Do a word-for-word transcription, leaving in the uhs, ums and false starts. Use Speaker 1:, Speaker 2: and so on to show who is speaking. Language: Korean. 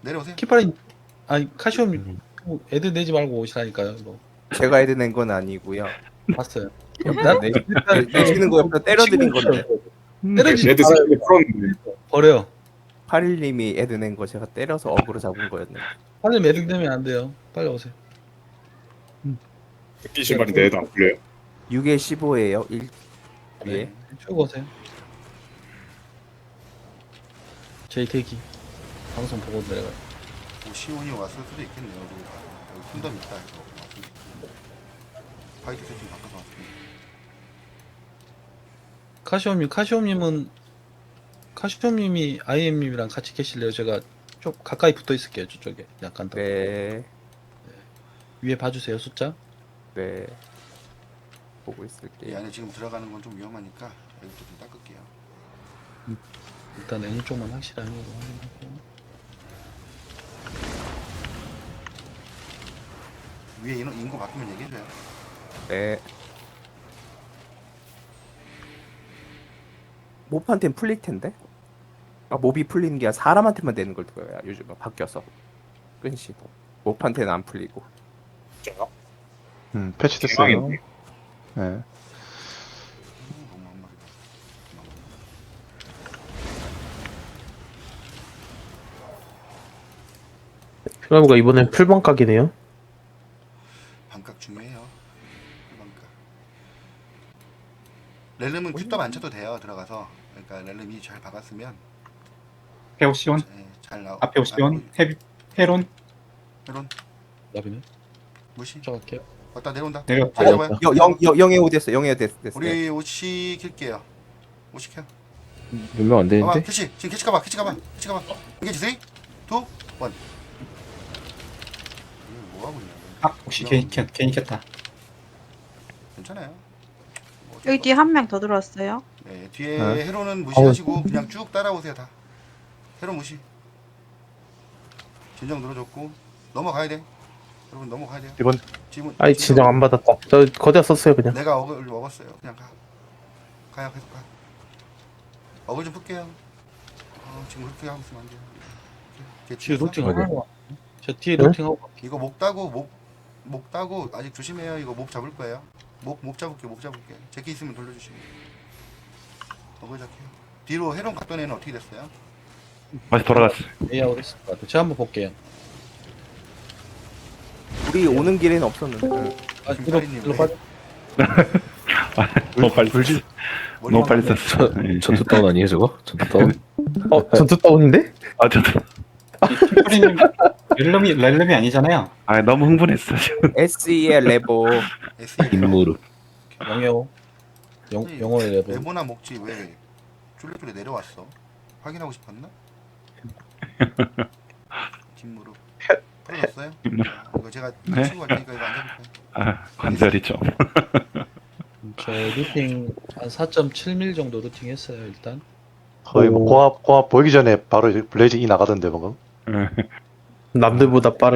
Speaker 1: 내려오세요.
Speaker 2: 키파린 아니 카시옴
Speaker 3: 음.
Speaker 2: 애들 내지 말고 오시라니까요. 이거
Speaker 4: 제가 애드 낸 건 아니고요.
Speaker 2: 봤어요.
Speaker 4: 옆에서 내, 내, 내시는 거 옆에 때려드린 건데.
Speaker 2: 때려주지
Speaker 3: 애드
Speaker 2: 말아요.
Speaker 3: 스킬이 풀었는데.
Speaker 2: 버려요.
Speaker 4: 팔일님이 애드 낸 거 제가 때려서 어그로 잡은 거였네.
Speaker 2: 빨리 매듭 되면 안 돼요. 빨리 오세요.
Speaker 3: 백기 신발인데 애도 안 풀려요?
Speaker 4: 육에 십오예요. 일 위에.
Speaker 2: 네. 쭉 오세요. 제이 대기 방송 보고 내려가요.
Speaker 1: 뭐 시온이 왔을 수도 있겠네요. 여기, 여기 콘덤 있다 해서 왔을 수도 있고. 화이트 세팅 바꿔서 왔습니다.
Speaker 2: 카시옴님, 카시옴님은 카시옴님이 아이엠님이랑 같이 계실래요? 제가 좀 가까이 붙어 있을게요. 저쪽에 약간 더
Speaker 4: 네.
Speaker 2: 위에 봐주세요. 숫자.
Speaker 4: 네. 보고
Speaker 1: 이
Speaker 4: 있을게요.
Speaker 1: 안에 지금 들어가는 건 좀 위험하니까 여기부터 좀 닦을게요.
Speaker 2: 일단 N 쪽만 확실하게 확인하고.
Speaker 1: 위에 인원, 인구 바뀌면 얘기해줘요.
Speaker 4: 네. 몹한테는 풀릴 텐데? 아, 몹이 풀리는 게 아니라 사람한테만 되는 걸 거야. 요즘은 바뀌어서. 끈시. 몹한테는 안 풀리고.
Speaker 3: 진짜요?
Speaker 5: 음, 패치됐어요.
Speaker 3: 대박이네.
Speaker 5: 네.
Speaker 1: 음, 너무 한 마리다.
Speaker 6: 피나무가 이번엔 풀방각이네요.
Speaker 1: 반각 중요해요. 반각. 렐름은 큐떡 안 쳐도 돼요. 들어가서. 그러니까 렐름이 잘 박았으면
Speaker 7: 페오시온
Speaker 1: 네, 잘 나오.
Speaker 7: 앞에 오시온 헤비 헤론
Speaker 1: 헤론
Speaker 2: 나비는
Speaker 1: 무시.
Speaker 2: 들어갈게요.
Speaker 1: 왔다 내려온다.
Speaker 7: 내려
Speaker 1: 잘 잡아요.
Speaker 4: 영, 영, 영, 영에 오 됐어. 영에 됐어. 됐어.
Speaker 1: 우리 오시 킬게요. 오시 켜.
Speaker 6: 몇 명 안
Speaker 1: 봐봐
Speaker 6: 되는데?
Speaker 1: 캐치. 지금 캐치 가봐. 캐치 가봐. 캐치 가봐. 이게 지세이. 투 원. 뭐 하고 있냐?
Speaker 7: 아 혹시 괜히 켰 괜히 켰다.
Speaker 1: 괜찮아요. 뭐 어쩔
Speaker 8: 여기 뒤에 한 명 더 들어왔어요.
Speaker 1: 네, 뒤에
Speaker 5: 네.
Speaker 1: 헤로는 무시하시고 그냥 쭉 따라오세요 다. 헤로 무시. 진정 늘어졌고 넘어가야 돼. 여러분 넘어가야 돼요.
Speaker 5: 이번
Speaker 1: 지금
Speaker 6: 아이 진정 안 받았다. 저 거기다 썼어요 그냥.
Speaker 1: 내가 어글 먹었어요. 그냥 가. 가요 계속 가. 어글 좀 풀게요. 어, 지금 그렇게 하고 있으면 안 돼요.
Speaker 2: 뒤에
Speaker 1: 뒤에
Speaker 2: 루팅
Speaker 6: 어디?
Speaker 2: 하고 와. 저 뒤에
Speaker 6: 네?
Speaker 2: 루팅 하고
Speaker 1: 이거 목 따고 목, 목 따고 아직 조심해요. 이거 목 잡을 거예요. 목, 목 잡을게, 목 잡을게. 제끼 있으면 돌려주시면. 어글 잡게요. 뒤로 헤론 갔던 애는 어떻게 됐어요?
Speaker 3: 다시 돌아갔어.
Speaker 2: 레이아웃 했을 것 같아요. 제가 한번 볼게요.
Speaker 4: 우리 오는 길에는 없었는데. 응.
Speaker 2: 아, 뒤로,
Speaker 1: 김파리님,
Speaker 2: 뒤로
Speaker 1: 네.
Speaker 2: 빠져.
Speaker 3: 너무 빨리 썼어. 너무 빨리
Speaker 1: 머리만
Speaker 3: 썼어.
Speaker 6: 전투 다운 아니에요 저거? 전투 다운? 어 전투 다운인데?
Speaker 3: 아, 저도.
Speaker 7: 피프리님 렐름이 렐름이 아니잖아요.
Speaker 3: 아, 너무 흥분했어, 지금.
Speaker 4: 에스이의 레보.
Speaker 1: 에스이.
Speaker 6: 인무르.
Speaker 2: 영어. 영,
Speaker 1: 아니,
Speaker 2: 영어의 레벨.
Speaker 1: 레모나 먹지 왜 쫄래쫄래 내려왔어? 확인하고 싶었나? 뒷무릎 풀어졌어요?
Speaker 3: 뒷무릎.
Speaker 1: 이거 제가
Speaker 3: 네.
Speaker 1: 치고 갈 테니까 이거 안 잡을까요?
Speaker 3: 아, 관절이 좀.
Speaker 2: 저 루팅 한 사 점 칠 밀 정도 루팅 했어요 일단.
Speaker 5: 거의 뭐 공합 공합 보이기 전에 바로 블레이즈 이 나가던데 방금.
Speaker 6: 남들보다 빠른.